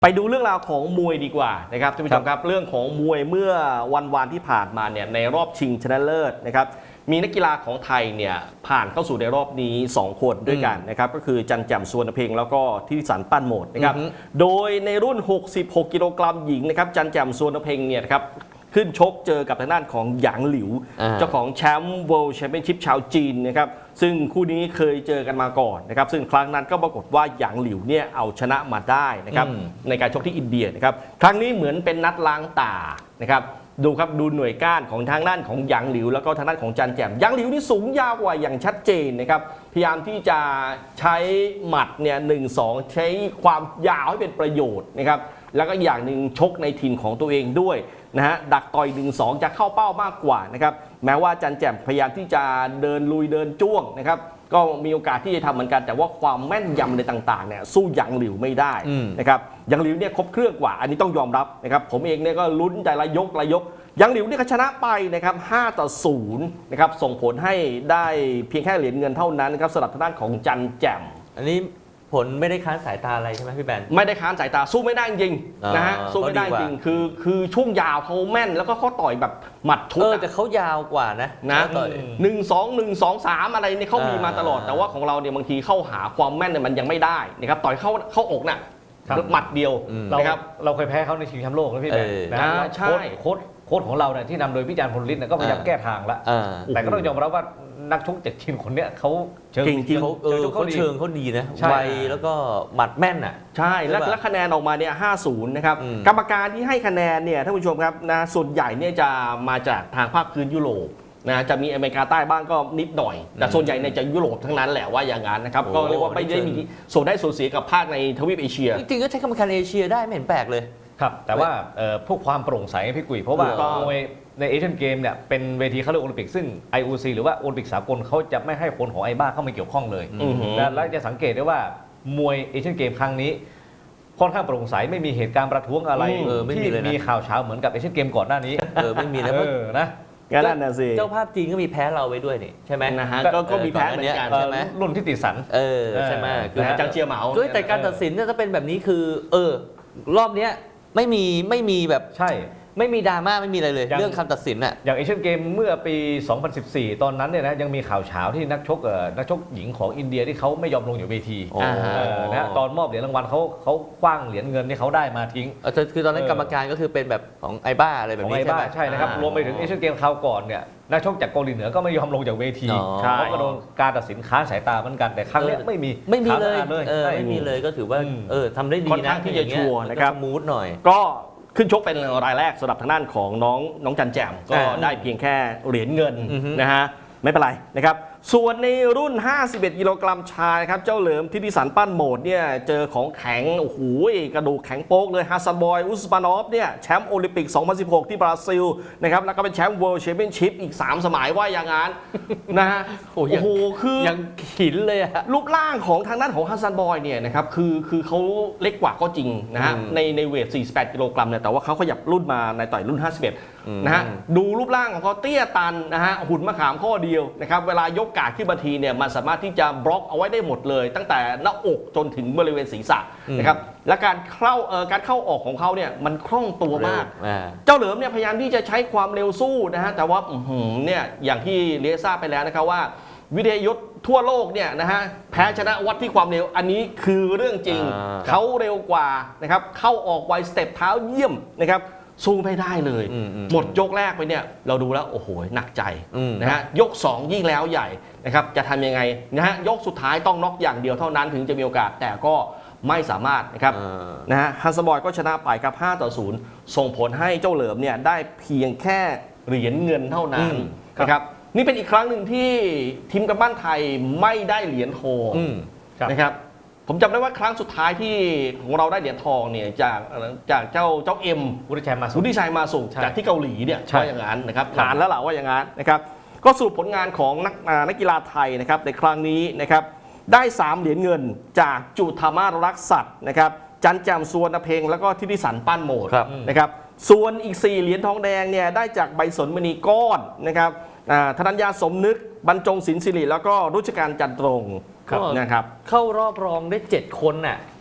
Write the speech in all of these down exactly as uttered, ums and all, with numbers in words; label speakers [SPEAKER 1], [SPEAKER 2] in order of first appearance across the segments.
[SPEAKER 1] ไปดูเรื่องราวของมวยดีกว่านะครับท่านผู้ชมครับเรื่องของมวยเมื่อวันวานที่ผ่านมาเนี่ยในรอบชิงชนะเลิศนะครับมีนักกีฬาของไทยเนี่ยผ่านเข้าสู่ในรอบนี้สองคนด้วยกันนะครับก็คือจันแจ่มสุวรรณเพ็งแล้วก็ทิติสันปั้นโหมดนะครับโดยในรุ่นหกสิบหกกิโลกรัมหญิงนะครับจันแจ่มสุวรรณเพ็งเนี่ยครับขึ้นชกเจอกับทางด้านของหยางหลิวเจ้าของแชมป์ World Championship ชาวจีนนะครับซึ่งคู่นี้เคยเจอกันมาก่อนนะครับซึ่งครั้งนั้นก็ปรากฏว่าหยางหลิวเนี่ยเอาชนะมาได้นะครับในการชกที่อินเดียนะครับครั้งนี้เหมือนเป็นนัดล้างตานะครับดูครับดูหน่วยก้านของทางด้านของหยางหลิวแล้วก็ทางด้านของจันแจ่มหยางหลิวนี่สูงยาวกว่าอย่างชัดเจนนะครับพยายามที่จะใช้หมัดเนี่ยหนึ่งสองใช้ความยาวให้เป็นประโยชน์นะครับแล้วก็อย่างหนึ่งชกในถิ่นของตัวเองด้วยนะฮะดักต่อย หนึ่งสอง จะเข้าเป้ามากกว่านะครับแม้ว่าจันแจ่มพยายามที่จะเดินลุยเดินจ้วงนะครับก็มีโอกาสที่จะทำเหมือนกันแต่ว่าความแม่นยำในต่างๆเนี่ยสู้หยางหลิวไม่ได้นะครับหยางหลิวเนี่ยครบเครื่องกว่าอันนี้ต้องยอมรับนะครับผมเองเนี่ยก็ลุ้นใจละยกละยกหยางหลิวเนี่ยชนะไปนะครับห้าต่อศูนย์นะครับส่งผลให้ได้เพียงแค่เหรียญเงินเท่านั้นนะครับสำหรับทางด้านของจันแจ่ม
[SPEAKER 2] อันนี้ผลไม่ได้ค้านสายตาอะไรใช่ไหมพี่แบน
[SPEAKER 1] ไม่ได้ค้านสายตาสู้ไม่ได้จริงนะฮะสู้ไม่ได้จริงคือคือช่วงยาวเขาแม่นแล้วก็เขาต่อยแบบหมัดทุก
[SPEAKER 2] เออแต่เขายาวกว่านะ
[SPEAKER 1] นะหนึ่งสองหนึ่งสองสามอะไรเนี่ยเขามีมาตลอดแต่ว่าของเราเนี่ยบางทีเข้าหาความแม่นเนี่ยมันยังไม่ได้นะครับต่อยเข้าเข้าอกน่ะหมัดเดียวนะครับ
[SPEAKER 3] เราเคยแพ้เขาในชิงแชมป์โลกนะพี่แบนนะใช่โค้ชโค้ชของเราเนี่ยที่นำโดยพี่จารย์พลฤทธิ์ก็พยายามแก้ทางแล้วแต่ก็ต้องยอมรับว่านักชกจากจีนคนเนี้ยเขา
[SPEAKER 2] เชิงจริงเขาเออเขาเชิงเขาดีนะไวแล้วก็หมัดแม่นอ่ะ
[SPEAKER 1] ใช่แล้วและคะแนนออกมาเนี่ยห้าศูนย์นะครับกรรมการที่ให้คะแนนเนี่ยท่านผู้ชมครับนะส่วนใหญ่เนี่ยจะมาจากทางภาคพื้นยุโรปนะจะมีอเมริกาใต้บ้างก็นิดหน่อยแต่ส่วนใหญ่เนี่ยจะยุโรปทั้งนั้นแหละว่าอย่างนั้นนะครับก็เรียกว่าไม่ได้มีส่วนได้ส่วนเสียกับภาคในทวีปเอเชีย
[SPEAKER 2] จริงๆก็ใช้กรรมการเอเชียได้ไม่เห็นแปลกเลย
[SPEAKER 3] ครับแต่ว่าพวกความโปร่งใสพี่กุยเพราะว่ามวยในเอเชียนเกมเนี่ยเป็นเวทีเขาเรียกโอลิมปิกซึ่ง ไอ โอ ซี หรือว่าโอลิมปิกสากลเขาจะไม่ให้คนของไอบ้าเข้ามาเกี่ยวข้องเลยและจะสังเกตได้ว่ามวยเอเชียนเกมครั้งนี้ค่อนข้างโปร่งใสไม่มีเหตุการณ์ประท้วงอะไรที่มีข่าวเช้าเหมือนกับเอเชียนเกมก่อนหน้านี้
[SPEAKER 2] เออไม่มีนะ
[SPEAKER 1] นะงั้นน่ะสิ
[SPEAKER 2] เจ้าภาพจีนก็มีแพ้เราไว้ด้วยนี่ใช่ไหม
[SPEAKER 1] นะฮะก็มีแพ้เหมือนกันใช่ไหม
[SPEAKER 3] รุ่นที่ติดสัน
[SPEAKER 2] เออใช่ไหม
[SPEAKER 1] คือจังเจียเหมา
[SPEAKER 2] ด้วยแต่การตัดสินเนี่ยถ้าเป็นแบบนี้คือเออรอบเนี้ยไม่มีไม่มีแบบ
[SPEAKER 3] ใช่
[SPEAKER 2] ไม่มีดราม่าไม่มีอะไรเลยเรื่องคำตัดสินอ่ะ
[SPEAKER 3] อย่างเอเชียนเกมเมื่อปี สองพันสิบสี่ ตอนนั้นเนี่ยนะยังมีข่าวเช้าที่นักชกเอ่อนักชกหญิงของอินเดียที่เขาไม่ยอมลงอยู่เวทีนะตอนมอบเหรียญรางวัลเขาเขาคว้างเหรียญเงินที่เขาได้มาทิ้ง
[SPEAKER 2] คือตอนนั้นกรรมการก็คือเป็นแบบของไอบ้าอะไรแบบนี้
[SPEAKER 3] ใช่ไหมใช่นะครับรวมไปถึงเอเชียนเกมคราวก่อนเนี่ยนักชกจากเกาหลีเหนือก็ไม่ยอมลงจากเวทีเขาก็โดนการตัดสินค้านสายตาเหมือนกันแต่ครั้งนี้ไม่มี
[SPEAKER 2] ไม่มีเลยไม่มีเลยก็ถือว่าเออทำได้ดีนะ
[SPEAKER 1] ที่จะชัวร์นะครับ
[SPEAKER 2] มูดหน่อย
[SPEAKER 1] ก็ขึ้นชกเป็นรายแรกสำหรับทางด้านของน้องน้องจันแจ่มก็ได้เพียงแค่เหรียญเงินนะฮะไม่เป็นไรนะครับส่วนในรุ่นห้าสิบเอ็ดกิโลกรัมชายครับเจ้าเหลิมทิติสันปั้นโหมดเนี่ยเจอของแข็งโอ้โหกระดูกแข็งโป๊กเลยฮัสซันบอยอุสมานอฟเนี่ยแชมป์โอลิมปิกสองพันสิบหกที่บราซิลนะครับแล้วก็เป็นแชมป์ World Championship อีกสามสมัยว่าอย่างนั้นนะฮะโอ้โหคือ
[SPEAKER 2] ยังขินเลยอะ
[SPEAKER 1] รูปร่างของทางด้านของฮัสซันบอยเนี่ยนะครับคือคือเขาเล็กกว่าก็จริงนะฮะในในเวทสี่สิบแปดกิโลกรัมเนี่ยแต่ว่าเขาขยับรุ่นมาในต่อยรุ่นห้าสิบเอ็ดนะฮะดูรูปร่างของเขาเตี้ยตันนะฮะหุ่นมะขามข้อเดียวนะครับเวลายกกาดขึ้นมาทีเนี่ยมันสามารถที่จะบล็อกเอาไว้ได้หมดเลยตั้งแต่หน้าอกจนถึงบริเวณศีรษะนะครับและการเข้าเอ่อการเข้าออกของเขาเนี่ยมันคล่องตัวมากเจ้าเหลิมเนี่ยพยายามที่จะใช้ความเร็วสู้นะฮะแต่ว่าเนี่ยอย่างที่เรียทราบไปแล้วนะครับว่าวิทยายุทธ์ทั่วโลกเนี่ยนะฮะแพ้ชนะวัดที่ความเร็วอันนี้คือเรื่องจริงเขาเร็วกว่านะครับเข้าออกไวสเต็ปเท้าเยี่ยมนะครับสู้ไม่ได้เลยหมดยกแรกไปเนี่ยเราดูแล้วโอ้โหหนักใจนะฮะยกสองยิ่งแล้วใหญ่นะครับจะทำยังไงนะฮะยกสุดท้ายต้องน็อกอย่างเดียวเท่านั้นถึงจะมีโอกาสแต่ก็ไม่สามารถนะครับนะฮะฮันส์บอยก็ชนะไปครับห้าต่อศูนย์ส่งผลให้เจ้าเหลิมเนี่ยได้เพียงแค่เหรียญเงินเท่านั้นนะครับนี่เป็นอีกครั้งหนึ่งที่ทีมกำปั้นไทยไม่ได้เหรียญทองนะครับผมจำได้ว่าครั้งสุดท้ายที่ของเราได้เหรียญทองเนี่ยจากจากเจ้าเจ้าเอ็ม
[SPEAKER 3] วุฒิชัยมาสุ
[SPEAKER 1] วุฒิชัยมาสุจากที่เกาหลีเนี่ยว่าอย่างนั้นนะครับนานแล้วล่ะว่าอย่างนั้นนะครับก็สรุปผลงานของนักนักกีฬาไทยนะครับในครั้งนี้นะครับได้สามเหรียญเงินจากจุธามารักษัตริย์นะครับจันแจ่มสุวรรณเพ็งแล้วก็ทิติสันปั้นโหมดนะครับส่วนอีกสี่เหรียญทองแดงเนี่ยได้จากใบสนมณีก้อนนะครับธนัญญาสมนึกบรรจงศิลป์ศิริแล้วก็รุชการจันตรงนะครับ
[SPEAKER 2] เข้ารอบรองได้เจ็ดคนน่ะ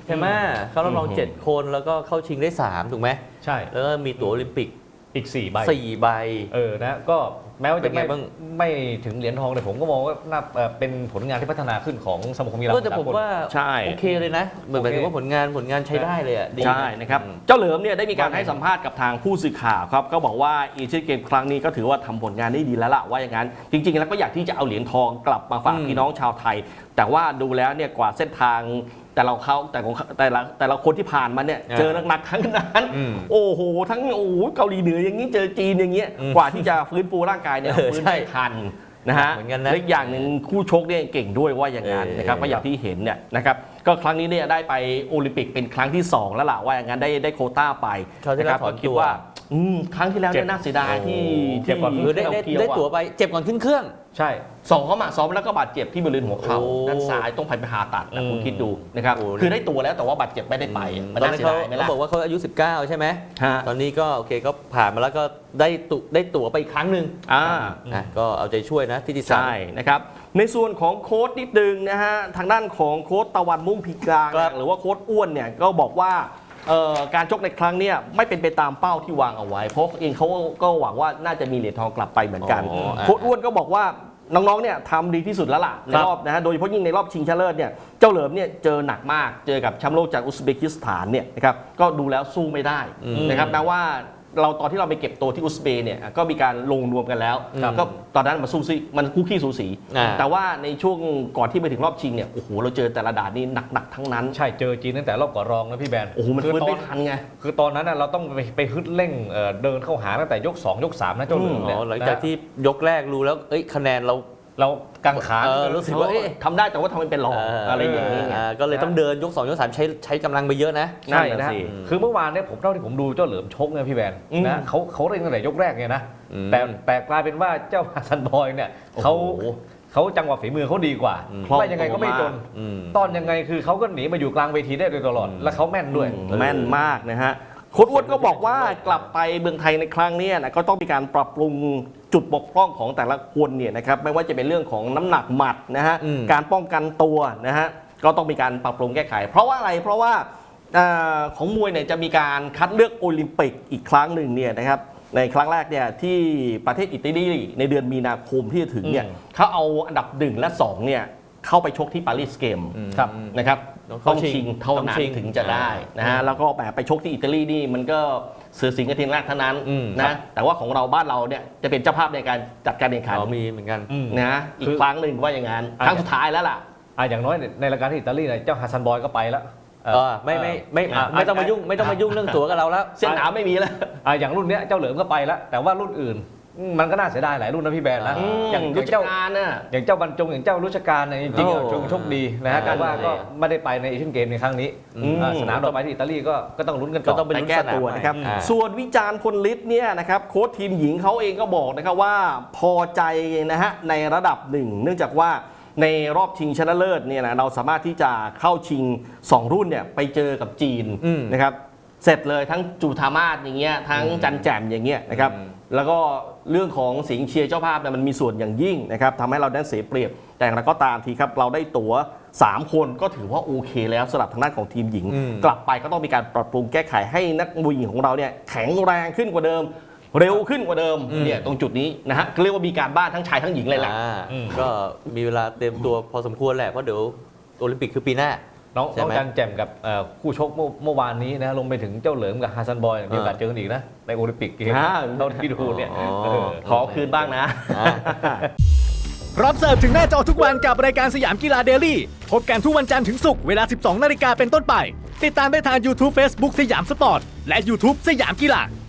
[SPEAKER 2] ช่ไหมเข้ารอบรอง
[SPEAKER 1] อืม
[SPEAKER 2] เจ็ดคนแล้วก็เข้าชิงได้สามถูกไหม
[SPEAKER 3] ใช่
[SPEAKER 2] แล้วก็มีตั๋วโอลิมปิก
[SPEAKER 3] อีกสี่ใบ
[SPEAKER 2] สี่ใบ
[SPEAKER 3] เออนะก็แม้ว่าจะ
[SPEAKER 2] เป็นไง
[SPEAKER 3] ไม่
[SPEAKER 2] บ้าง
[SPEAKER 3] ไม่ถึงเหรียญทองแต่ผมก็มองว่าน่าเอ่อเป็นผลงานที่พัฒนาขึ้นของสมาคมกีฬา
[SPEAKER 2] ก็แต่ผมว่า
[SPEAKER 1] ใช่
[SPEAKER 2] โอเคเลยนะเหมือนหมายถึงว่าผลงานผลงานใช้ได้เลยอ่ะดี
[SPEAKER 1] ใช่นะครับ
[SPEAKER 2] อืม
[SPEAKER 1] เจ้าเหลิมเนี่ยได้มีการ
[SPEAKER 3] ว่าไง
[SPEAKER 1] ให้สัมภาษณ์กับทางผู้สื่อข่าวครับก็บอกว่าเอเชียนเกมครั้งนี้ก็ถือว่าทำผลงานได้ดีแล้วล่ะว่าอย่างนั้น จริงๆ แล้วก็อยากที่จะเอาเหรียญทองกลับมาฝาก
[SPEAKER 2] อืม
[SPEAKER 1] พี่น้องชาวไทย แต่ว่าดูแล้วเนี่ยกว่าเส้นทางแต่เราเขาแต่ของแต่ละแต่ละคนที่ผ่านมาเนี่ย
[SPEAKER 2] อ่า
[SPEAKER 1] เจอหนักๆทั้งนั้น
[SPEAKER 2] อืม
[SPEAKER 1] โอ้โหทั้งโอ้โหเกาหลีเหนืออย่างนี้เจอจีนอย่างเงี้ย
[SPEAKER 2] อืม
[SPEAKER 1] กว่าที่จะฟื้นฟูร่างกายเนี่ย
[SPEAKER 2] เออ
[SPEAKER 1] ฟื้น
[SPEAKER 2] ใช่
[SPEAKER 1] ไม่ทันนะฮะ
[SPEAKER 2] เหมือนกันนะ
[SPEAKER 1] และอีกอย่างหนึ่งคู่ชกเนี่ยเก่งด้วยว่าอย่างนั้น
[SPEAKER 2] เออ
[SPEAKER 1] นะครับก็อย่างที่เห็นเนี่ยนะครับก็ครั้งนี้เนี่ยได้ไปโอลิมปิกเป็นครั้งที่สองแล้วล่ะว่าอย่างนั้นได้ได้โควต้าไป
[SPEAKER 2] คราวที่แล้ว
[SPEAKER 1] นะครับ
[SPEAKER 2] ถอน
[SPEAKER 1] ก็คิด
[SPEAKER 2] ตัว
[SPEAKER 1] ว่าอืมครั้งที่แล้ว
[SPEAKER 3] เจ็
[SPEAKER 1] เนี่ย
[SPEAKER 3] บ
[SPEAKER 1] น่าเสียดายที่
[SPEAKER 3] เจ็บก่อน
[SPEAKER 1] ที่
[SPEAKER 2] เออได้ได้
[SPEAKER 1] ที่
[SPEAKER 2] ได้
[SPEAKER 1] เา
[SPEAKER 2] ตั๋ว
[SPEAKER 1] อะ
[SPEAKER 2] ไปเจ็บก่อนขึ้นเครื่อง
[SPEAKER 3] ใช่
[SPEAKER 1] ซ้อมอ่ะซ้อมแล้วก็บาดเจ็บที่บริเวณหัวเข่า
[SPEAKER 2] โอ้
[SPEAKER 1] ด้านซ้ายต้องไปผ่าตัดนะ
[SPEAKER 3] อืม
[SPEAKER 1] คุณคิดดูนะครับ
[SPEAKER 2] โอ้
[SPEAKER 1] คือได้ตัวแล้วแต่ว่าบาดเจ็บไม่ได้ไปมัน
[SPEAKER 2] ตอน
[SPEAKER 1] น่า
[SPEAKER 2] นั้น
[SPEAKER 1] เสีย
[SPEAKER 2] เขา
[SPEAKER 1] ดายไหม
[SPEAKER 2] เขา
[SPEAKER 1] ล่ะ
[SPEAKER 2] บอกว่าเขาอายุสิบเก้าใช่ไหม
[SPEAKER 1] ฮะ
[SPEAKER 2] ตอนนี้ก็โอเคก็ผ่านมาแล้วก็ได้ตุได้ตั๋วไปอีกครั้งหนึ่ง
[SPEAKER 1] อ่า
[SPEAKER 2] นะก็เอาใจช่วยนะที่ที่สาม
[SPEAKER 1] ใช่นะครับในส่วนของโค้ดนิดนึงนะฮะทางด้านของโค้ดตะวันมุ่งพิกลาง
[SPEAKER 2] ครับ
[SPEAKER 1] หรือว่าโค้ดอ้วนเนี่ยก็บอกว่าเอ่อการชกในครั้งเนี้ยไม่เป็นไปตามเป้าที่วางเอาไว้ เพราะเองเขาก็หวังว่าน่าจะมีเหรียญทองกลับไปเหมือนกัน
[SPEAKER 2] อ๋ออ่ะ
[SPEAKER 1] โค้ดอ้วนก็บอกว่าน้องๆเนี่ยทำดีที่สุดแล้วล่ะใน
[SPEAKER 2] ครับ
[SPEAKER 1] รอบนะฮะโดยเฉพาะยิ่งในรอบชิงชนะเลิศเนี่ยเจ้าเหลิมเนี่ยเจอหนักมากเจอกับแชมป์โลกจากอุซเบกิสถานเนี่ยนะครับก็ดูแล้วสู้ไม่ได้
[SPEAKER 2] อืม
[SPEAKER 1] นะครับแม้ว่าเราตอนที่เราไปเก็บตัวที่อุซเบย์เนี่ยก็มีการลงนวมกันแล้ว
[SPEAKER 2] ครับ
[SPEAKER 1] ก็ตอนนั้นมันสู้ซิมันคู่ขี้สูสี
[SPEAKER 2] อ่า
[SPEAKER 1] แต่ว่าในช่วงก่อนที่ไปถึงรอบชิงเนี่ยโอ้โหเราเจอแต่ละด่านนี่หนักๆทั้งนั้น
[SPEAKER 3] ใช่เจอจีนตั้งแต่รอบก่อนรองนะพี่แบน
[SPEAKER 1] โอ้โหมัน
[SPEAKER 3] คื
[SPEAKER 1] ฟื้น
[SPEAKER 3] ตอ
[SPEAKER 1] ไม่ทันไง
[SPEAKER 3] คือตอนนั้นน่ะเราต้องไปไปฮึดเร่งเอ่อเดินเข้าหาตั้งแต่ยกสองยกสามนะเจ้าเหลือม
[SPEAKER 2] อ๋
[SPEAKER 3] เนี่ย
[SPEAKER 2] อหลังจากที่ยกแรกรู้แล้วเอ้ยคะแนนเรา
[SPEAKER 3] เรากังขา
[SPEAKER 2] เออรู้สึกว่าเอ๊ะ
[SPEAKER 1] ทำได้แต่ว่าทำไมเป็นรองอะไรอย่างนี้ไง
[SPEAKER 2] อ่าก็เลยต้องเดินยกสองยกสามใช้ใช้กำลังไปเยอะนะ
[SPEAKER 3] ใช่
[SPEAKER 1] นั่น
[SPEAKER 3] นะ
[SPEAKER 1] น่ะสิ
[SPEAKER 3] คือเมื่อวานเนี่ยผมเท่าที่ผมดูเจ้าเหลือมชกเนี่ยพี่แบน
[SPEAKER 1] อืม
[SPEAKER 3] นะเขาเขาเร่งตั้งแต่ยกแรกไงนะ
[SPEAKER 2] อืม
[SPEAKER 3] แต่แต่กลายเป็นว่าเจ้าฮัสซันบอยเนี่ยเขา
[SPEAKER 1] โอ้โห
[SPEAKER 3] เขาจังหวะฝีมือเขาดีกว่า
[SPEAKER 2] อืม
[SPEAKER 3] ไม่ยังไงก็ไม่จน
[SPEAKER 2] อืม
[SPEAKER 3] ตอนยังไงคือเขาก็หนีมาอยู่กลางเวทีได้โดยตลอด
[SPEAKER 2] อืม
[SPEAKER 3] และเขาแม่นด้วย
[SPEAKER 1] อืมแม่นมากนะฮะโค้ชอ้วนก็บอกว่ากลับไปเมืองไทยในครั้งเนี้ยนะก็ต้องมีการปรับปรุงจุดบกพร่องของแต่ละคนเนี่ยนะครับไม่ว่าจะเป็นเรื่องของน้ำหนักหมัดนะฮะ
[SPEAKER 2] อืม
[SPEAKER 1] การป้องกันตัวนะฮะก็ต้องมีการปรับปรุงแก้ไข เพราะว่าอะไรเพราะว่าอ่าของมวยเนี่ยจะมีการคัดเลือกโอลิมปิกอีกครั้งหนึ่งเนี่ยนะครับในครั้งแรกเนี่ยที่ประเทศอิตาลีในเดือนมีนาคมที่จะถึงเนี่ย
[SPEAKER 3] อืม
[SPEAKER 1] เขาเอาอันดับหนึ่งและสองเนี่ยเข้าไปชกที่ปารีสเกม
[SPEAKER 2] อืม
[SPEAKER 3] ครับ
[SPEAKER 1] นะครับ
[SPEAKER 2] ต้อง
[SPEAKER 1] ต้อง
[SPEAKER 2] ชิง
[SPEAKER 1] ชิงเท่า
[SPEAKER 2] ต้อง
[SPEAKER 1] นั้น
[SPEAKER 2] ชิง
[SPEAKER 1] ถึงจะได้นะฮะแล้วก็แบบไปชกที่อิตาลีนี่มันก็เสือสิงห์กระทิงแรกเท่านั้น
[SPEAKER 2] อืมครั
[SPEAKER 1] นะ
[SPEAKER 2] บ
[SPEAKER 1] แต่ว่าของเราบ้านเราเนี่ยจะเป็นเจ้าภาพในการจัดการแข่งขัน
[SPEAKER 2] อ๋อมีเหมือนกัน
[SPEAKER 3] อืม
[SPEAKER 1] นะอี
[SPEAKER 3] คื
[SPEAKER 1] ก
[SPEAKER 3] อ
[SPEAKER 1] ครั้งหนึ่งว่าอย่างนั้น
[SPEAKER 3] อ่ะ
[SPEAKER 1] ครั้งสุดท้ายแล้วล่ะ
[SPEAKER 3] อ่ะอย่างน้อยในรายการที่อิตาลีเนี่ยเจ้าฮัสซันบอยก็ไปแล้ว
[SPEAKER 2] เออไม่ไม่ไม่
[SPEAKER 3] อ่ะ
[SPEAKER 2] ไม่ต้องมายุ่งไม่ต้องมายุ่งเรื่องตั๋วกับเราแล้ว
[SPEAKER 1] เส้นหนามไม่มีแล้ว
[SPEAKER 3] อ่ะอย่างรุ่นเนี้ยเจ้าเหลิมก็ไปแล้ว แต่ว่ารุ่นอื่นอืมมันก็น่าเสียดายหลายรุ่นนะพี่แบนนะ
[SPEAKER 2] อืม
[SPEAKER 3] อย่างอ
[SPEAKER 1] ยุ
[SPEAKER 3] ย่าง
[SPEAKER 1] ทธ
[SPEAKER 3] เจ้า
[SPEAKER 1] การน่ะ
[SPEAKER 3] อย่างเจ้าบรรจงอย่างเจ้ารุชการเนี่ยจริงๆ
[SPEAKER 2] โอ้
[SPEAKER 3] อ่ะชงโชคดีนะฮะ
[SPEAKER 2] อ่า
[SPEAKER 3] แต่ว่าก็
[SPEAKER 2] นั่นแหละ
[SPEAKER 3] ไม่ได้ไปในเอเชียนเกมในครั้งนี้
[SPEAKER 1] อืม
[SPEAKER 3] อ่ะสนามต่อไปที่อิตาลีก็ก็ต้องลุ้นกัน
[SPEAKER 2] ก็
[SPEAKER 3] ต่อ
[SPEAKER 2] ต้องไป
[SPEAKER 1] ไป
[SPEAKER 2] ลุ้น
[SPEAKER 1] แก้
[SPEAKER 2] สนาม
[SPEAKER 1] ตัว
[SPEAKER 2] ใหม่
[SPEAKER 1] นะครับ
[SPEAKER 2] อ่า
[SPEAKER 1] ส่วนวิจารณ์พลฤทธิ์เนี่ยนะครับโค้ชทีมหญิงเขาเองก็บอกนะครับว่าพอใจนะฮะในระดับหนึ่งเนื่องจากว่าในรอบชิงชนะเลิศเนี่ยนะเราสามารถที่จะเข้าชิงสองรุ่นเนี่ยไปเจอกับจีน
[SPEAKER 2] อืม
[SPEAKER 1] นะครับเสร็จเลยทั้งจูธามาศอย่างเงี้ยทั้ง
[SPEAKER 2] อืม
[SPEAKER 1] จันแจ่มอย่างเงี้ยนะครับ
[SPEAKER 2] อืม
[SPEAKER 1] แล้วก็เรื่องของสิงห์เชียร์เจ้าภาพเนี่ยมันมีส่วนอย่างยิ่งนะครับทำให้เราได้เสียเปรียบแต่อย่างไรก็ตามทีครับเราได้ตั๋วสามคนก็ถือว่าโอเคแล้วสำหรับทางด้านของทีมหญิง
[SPEAKER 2] อืม
[SPEAKER 1] กลับไปก็ต้องมีการปรับปรุงแก้ไขให้นักมวยหญิงของเราเนี่ยแข็งแรงขึ้นกว่าเดิม เร็วขึ้นกว่าเดิม
[SPEAKER 2] อืม
[SPEAKER 1] เนี่ยตรงจุดนี้นะฮะเรียกว่ามีการบ้านทั้งชายทั้งหญิงเลยแหละ
[SPEAKER 2] อ่า
[SPEAKER 3] อืม
[SPEAKER 2] ก็มีเวลาเตรียมตัวพอสมควรแหละเพราะเดี๋ยวโอลิมปิกคือปีหน้า
[SPEAKER 3] น้อง
[SPEAKER 2] ใช่
[SPEAKER 3] น้อง
[SPEAKER 2] ไหม
[SPEAKER 3] จันแจ่มกับเอ่อคู่ชกเมื่อเมื่อวานนี้นะลงไปถึงเจ้าเหลิมกับฮัสซันบอยมีโอกาสเจอกันอีกนะในโอลิมปิกเกม
[SPEAKER 1] อ่า
[SPEAKER 3] เราที่ดูเนี่ย
[SPEAKER 2] อ๋อ
[SPEAKER 3] เออ
[SPEAKER 1] ขอคืนบ้างนะ
[SPEAKER 2] อ่า
[SPEAKER 4] พร้อมเสิร์ฟถึงหน้าจอทุกวันกับรายการสยามกีฬาเดลี่พบกันทุกวันจันทร์ถึงศุกร์เวลา สิบสองนาฬิกาเป็นต้นไป ติดตามได้ทาง YouTube Facebook สยามสปอร์ต และ YouTube สยามกีฬา